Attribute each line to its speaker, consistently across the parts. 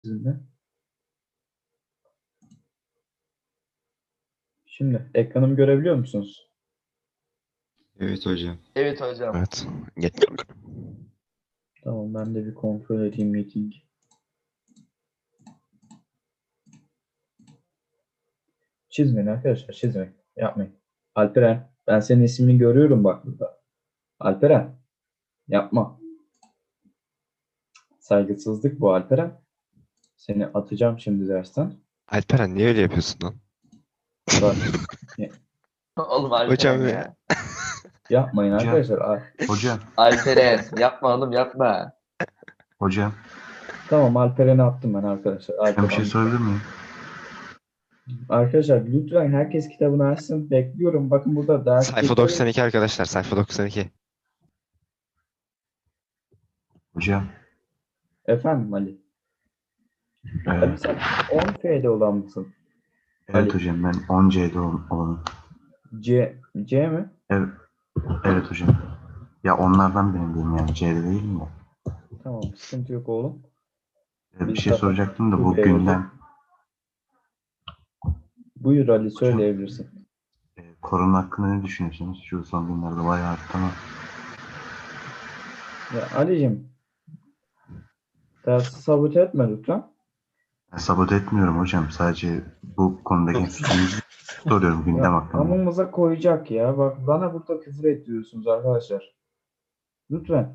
Speaker 1: sizinle. Şimdi ekranımı görebiliyor musunuz?
Speaker 2: Evet hocam.
Speaker 3: Evet hocam.
Speaker 4: Evet. Geç.
Speaker 1: Tamam, ben de bir kontrol edeyim meeting. Çizmeyin arkadaşlar, çizmeyin. Yapmayın. Alperen, ben senin ismini görüyorum bak burada. Alperen, yapma. Saygısızlık bu Alperen. Seni atacağım şimdi dersten.
Speaker 4: Alperen niye öyle yapıyorsun lan?
Speaker 1: Bak,
Speaker 3: Oğlum Alperen
Speaker 4: Hocam
Speaker 3: ya.
Speaker 1: yapmayın
Speaker 2: Hocam.
Speaker 1: arkadaşlar.
Speaker 2: Hocam.
Speaker 3: Alperen yapma oğlum yapma.
Speaker 2: Hocam.
Speaker 1: Tamam, Alperen'i attım ben arkadaşlar.
Speaker 2: Ben bir şey
Speaker 1: Alperen.
Speaker 2: sorabilir miyim?
Speaker 1: Arkadaşlar lütfen herkes kitabını açsın. Bekliyorum. Bakın burada ders
Speaker 4: Sayfa
Speaker 1: geçiyor.
Speaker 4: 92 arkadaşlar. Sayfa 92.
Speaker 2: Hocam.
Speaker 1: Efendim Ali. Ali sen 10F'de olan mısın?
Speaker 2: Evet
Speaker 1: Ali.
Speaker 2: hocam, ben 10C'de olanım.
Speaker 1: C mi?
Speaker 2: Evet, evet hocam. Ya onlardan benim diyeyim, yani C'de değilim ya.
Speaker 1: Tamam, sıkıntı yok oğlum.
Speaker 2: Bir şey soracaktım da bu
Speaker 1: Okey,
Speaker 2: gündem
Speaker 1: Buyur Ali, söyleyebilirsin.
Speaker 2: korona hakkında ne düşünüyorsunuz? Şu son günlerde bayağı arttı ama.
Speaker 1: Ya Ali'cim, dersi sabote etme lütfen.
Speaker 2: Ben sabote etmiyorum hocam. Sadece bu konudaki fikrinizi soruyorum gündem
Speaker 1: Ya,
Speaker 2: hakkında.
Speaker 1: amımıza koyacak ya. Bak bana burada küfür ediyorsunuz arkadaşlar. Lütfen.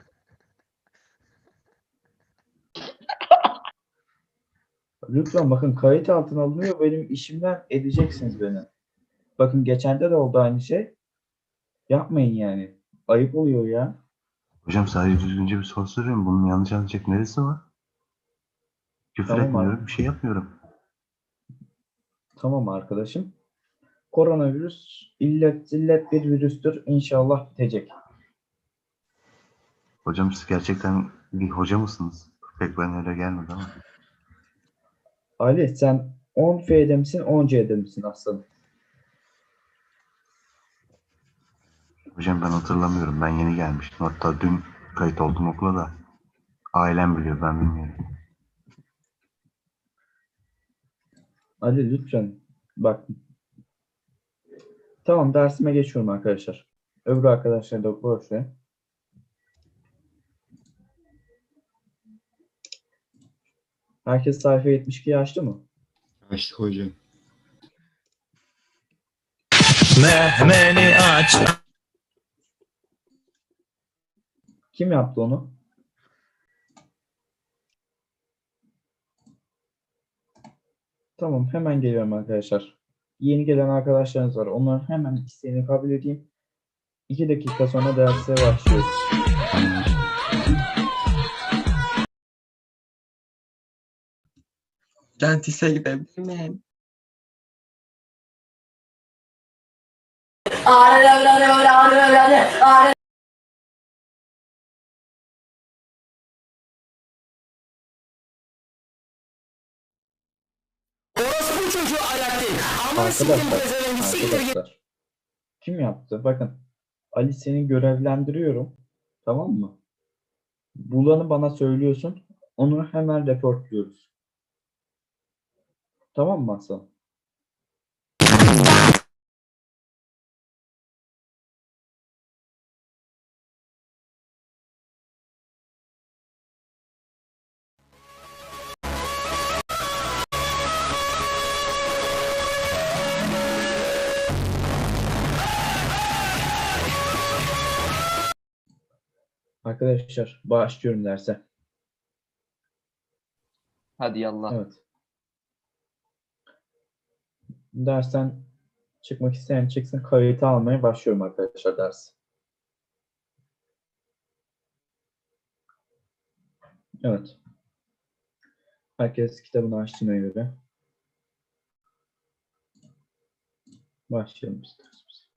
Speaker 1: Lütfen bakın, kayıt altına alınıyor. Benim işimden edeceksiniz beni. Bakın geçende de oldu aynı şey. Yapmayın yani. Ayıp oluyor ya.
Speaker 2: Hocam sadece düzgünce bir soru soruyorum. Bunun yanlış anlayacak neresi var? Küfür
Speaker 1: Tamam
Speaker 2: etmiyorum,
Speaker 1: abi.
Speaker 2: bir şey yapmıyorum.
Speaker 1: Tamam arkadaşım. Koronavirüs illet zillet bir virüstür. İnşallah bitecek.
Speaker 2: Hocam siz gerçekten bir hoca mısınız? Pek bana öyle gelmedi ama.
Speaker 1: Ali sen 10F'de misin 10C'de misin aslanım?
Speaker 2: Hocam ben hatırlamıyorum. Ben yeni gelmiştim. Hatta dün kayıt oldum okula da. Ailem biliyor, ben bilmiyorum.
Speaker 1: Ali lütfen bak. Tamam, dersime geçiyorum arkadaşlar. Öbür arkadaşlar da boş ver. Herkes sayfa 72'yi açtı mı?
Speaker 2: Açtık hocam.
Speaker 5: Mehmeni aç.
Speaker 1: Kim yaptı onu? Tamam, hemen geliyorum arkadaşlar. Yeni gelen arkadaşlarınız var. Onların hemen isteğini kabul edeyim. 2 dakika sonra derse başlıyoruz.
Speaker 5: Dentiste gidebilir miyim?
Speaker 6: Orospu çocuğu ayak değil. Amına sikeyim pezevengi, siktir git.
Speaker 1: Arkadaşlar. Kim yaptı? Bakın. Ali, seni görevlendiriyorum. Tamam mı? Bulanı bana söylüyorsun. Onu hemen reportluyoruz. Tamam mı Hasan? Arkadaşlar başlıyorum derse.
Speaker 3: Hadi yallah.
Speaker 1: Evet. Dersten çıkmak isteyen çıksın. Kayıtı almaya başlıyorum arkadaşlar ders. Evet. Herkes kitabını açtığına göre başlayalım biz dersimize.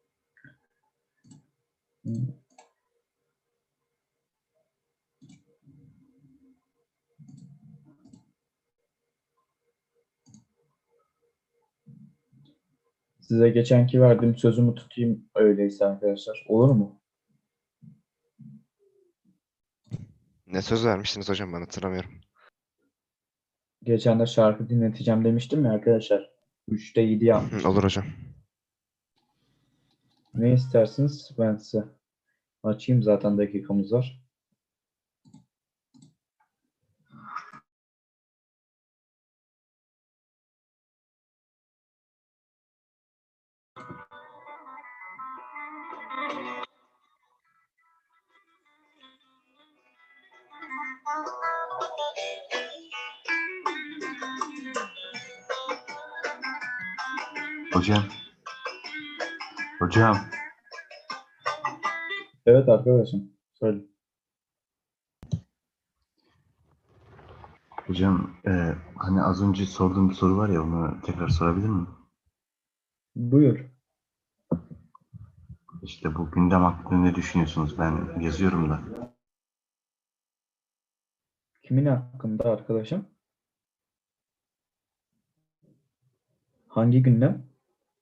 Speaker 1: Size geçenki verdiğim sözümü tutayım öyleyse arkadaşlar. Olur mu?
Speaker 4: Ne söz vermiştiniz hocam, ben hatırlamıyorum.
Speaker 1: Geçen de şarkı dinleteceğim demiştim ya arkadaşlar. 3'te 7 yapmış.
Speaker 4: Olur hocam.
Speaker 1: Ne istersiniz? Ben size açayım, zaten dakikamız var.
Speaker 2: Hocam. Hocam.
Speaker 1: Evet arkadaşım. Söyle.
Speaker 2: Hocam hani az önce sorduğum bir soru var ya, onu tekrar sorabilir miyim?
Speaker 1: Buyur.
Speaker 2: İşte bu gündem hakkında ne düşünüyorsunuz? Ben yazıyorum da.
Speaker 1: Kimin hakkında arkadaşım? Hangi gündem?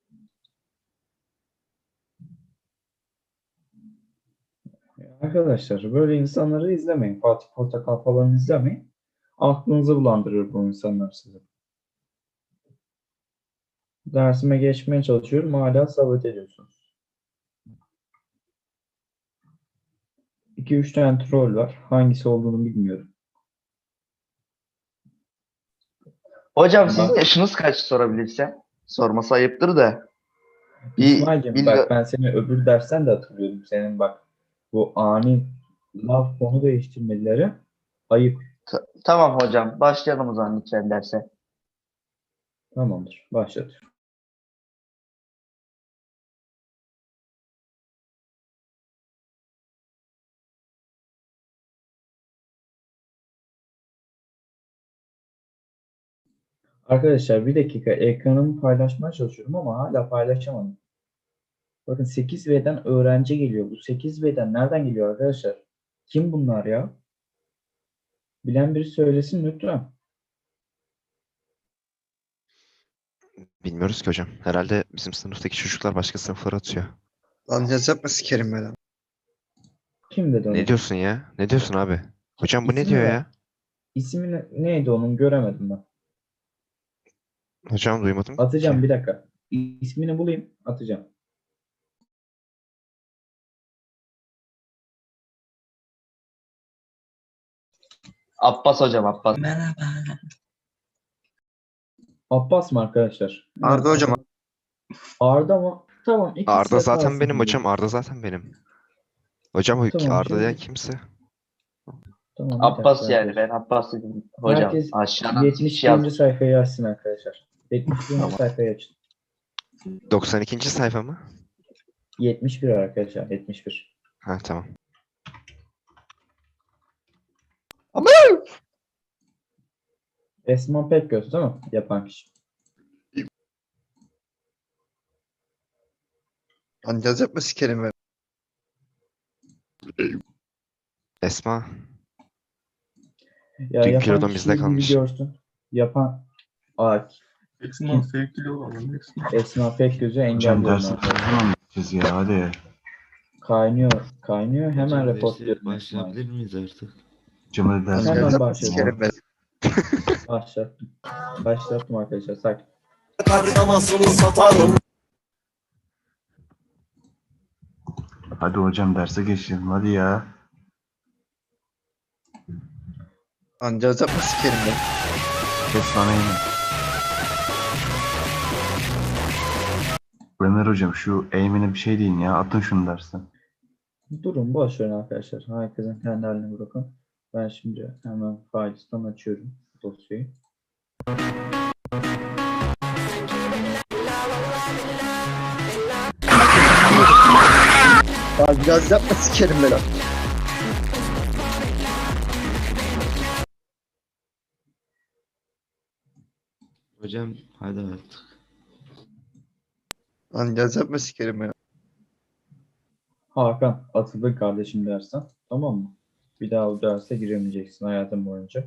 Speaker 1: Arkadaşlar böyle insanları izlemeyin. Fatih Portakal falan izlemeyin. Aklınızı bulandırır bu insanlar size. Dersime geçmeye çalışıyorum. Hala sabote ediyorsunuz. 2-3 tane troll var. Hangisi olduğunu bilmiyorum.
Speaker 3: Hocam sizin yaşınız kaç sorabilirsem? Sorması ayıptır da.
Speaker 1: İsmail'cim bak, ben seni öbür dersten de hatırlıyorum. Senin bak bu ani laf konu değiştirmeleri ayıp.
Speaker 3: Tamam hocam. Başlayalım o zaman lütfen derse.
Speaker 1: Tamamdır. Başlatıyorum. Arkadaşlar bir dakika, ekranımı paylaşmaya çalışıyorum ama hala paylaşamadım. Bakın 8V'den öğrenci geliyor. Bu 8V'den nereden geliyor arkadaşlar? Kim bunlar ya? Bilen biri söylesin lütfen.
Speaker 4: Bilmiyoruz ki hocam. Herhalde bizim sınıftaki çocuklar başka sınıflara atıyor.
Speaker 5: Lan yaz yapma sikerim ben.
Speaker 1: Kim dedi onu?
Speaker 4: Ne diyorsun ya? Ne diyorsun abi? Hocam bu ne
Speaker 1: İsmi
Speaker 4: diyor
Speaker 1: ver.
Speaker 4: ya?
Speaker 1: İsmi neydi onun, göremedim ben.
Speaker 4: Hocam duymadım
Speaker 1: Atacağım
Speaker 4: ki.
Speaker 1: bir dakika. İsmini bulayım, atacağım.
Speaker 3: Abbas hocam, Abbas.
Speaker 5: Merhaba.
Speaker 1: Abbas mı arkadaşlar?
Speaker 5: Arda hocam.
Speaker 1: Arda mı? Tamam, ikisi
Speaker 4: Arda
Speaker 1: de
Speaker 4: zaten
Speaker 1: kalsın
Speaker 4: benim
Speaker 1: diye.
Speaker 4: hocam. Arda zaten benim. Hocam o
Speaker 1: Tamam,
Speaker 4: Arda diyen
Speaker 1: şimdi-
Speaker 4: kimse.
Speaker 1: Tamam, bir
Speaker 3: Abbas
Speaker 1: dakika
Speaker 3: yani.
Speaker 1: arkadaşlar.
Speaker 3: Ben Abbas dedim. Hocam
Speaker 1: Herkes
Speaker 3: aşağıdan
Speaker 1: 71.
Speaker 3: yazdım.
Speaker 1: sayfayı açsın arkadaşlar. 71.
Speaker 3: Tamam.
Speaker 1: sayfayı açın.
Speaker 4: 92. sayfa mı?
Speaker 1: 71 arkadaşlar, 71.
Speaker 4: Ha tamam.
Speaker 1: Esma Pekgöz değil mi? Yapan kişi.
Speaker 5: Lan yaz yapma sikerim ben.
Speaker 4: Esma.
Speaker 1: Ya
Speaker 4: Dünkü
Speaker 1: yapan
Speaker 4: kilodan bizde
Speaker 1: kişiyi
Speaker 4: kalmış.
Speaker 1: bir görsün. Yapan
Speaker 7: Esma sevgili olalım Esma.
Speaker 1: Esma Pekgöz'ü
Speaker 2: Hocam
Speaker 1: engelliyorum
Speaker 2: dersi ne
Speaker 1: arkadaşlar.
Speaker 2: zaman biteceğiz ya, hadi.
Speaker 1: Kaynıyor. Hemen
Speaker 8: Hocam
Speaker 1: reportluyorum.
Speaker 8: derse başlayabilir miyiz artık?
Speaker 2: Hocam hadi dersi
Speaker 1: Hemen
Speaker 5: Yaz yapma
Speaker 1: başlayalım.
Speaker 5: sikerim ben.
Speaker 1: Başlattım. Başlattım arkadaşlar. Sakin.
Speaker 2: Hadi hocam derse geçelim hadi ya.
Speaker 5: Lan yaz yapma sikerim ben.
Speaker 2: Kes bana yine. Ömer hocam şu eğimine bir şey deyin ya. Atın şunu dersten.
Speaker 1: Durun, boş verin arkadaşlar. Herkesin kendi haline bırakın. Ben şimdi hemen failisten açıyorum dosyayı.
Speaker 5: Lan yaz yapma sikerim ben. Lan.
Speaker 8: Hocam hadi artık.
Speaker 5: Lan yaz yapma sikerim ben.
Speaker 1: Hakan, atıldın kardeşim dersten. Tamam mı? Bir daha o derse giremeyeceksin hayatın boyunca.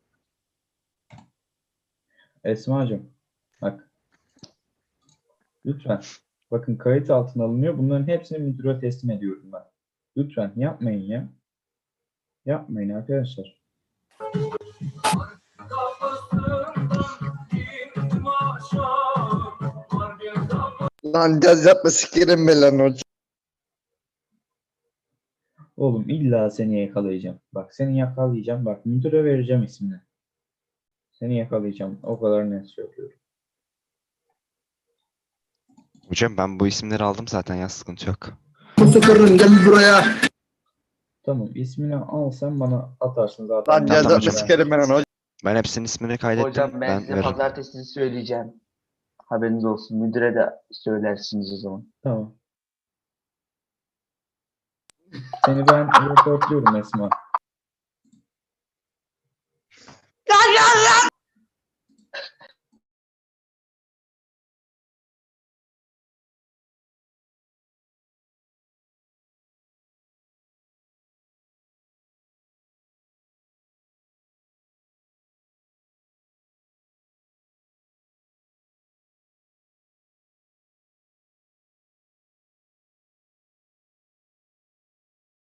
Speaker 1: Esma'cığım, bak. Lütfen. Bakın kayıt altına alınıyor. Bunların hepsini müdüre teslim ediyorum ben. Lütfen yapmayın ya. Yapmayın arkadaşlar.
Speaker 5: Lan caz yapma sikerim ben lan hocam.
Speaker 1: Oğlum illa seni yakalayacağım. Bak seni yakalayacağım. Bak müdüre vereceğim ismini. Seni yakalayacağım. O kadar net söylüyorum.
Speaker 4: Hocam ben bu isimleri aldım zaten ya, sıkıntı yok.
Speaker 6: Sıfırın gel buraya.
Speaker 1: Tamam ismini al sen bana atarsın zaten.
Speaker 5: Lan caz
Speaker 4: Tamam
Speaker 5: yapma
Speaker 4: hocam.
Speaker 5: sikerim ben hocam.
Speaker 4: Ben hepsinin ismini kaydettim.
Speaker 3: Hocam ben size
Speaker 4: veririm.
Speaker 3: pazartesi söyleyeceğim. Haberiniz olsun. Müdüre de söylersiniz o zaman.
Speaker 1: Tamam. Seni ben reportluyorum Esma.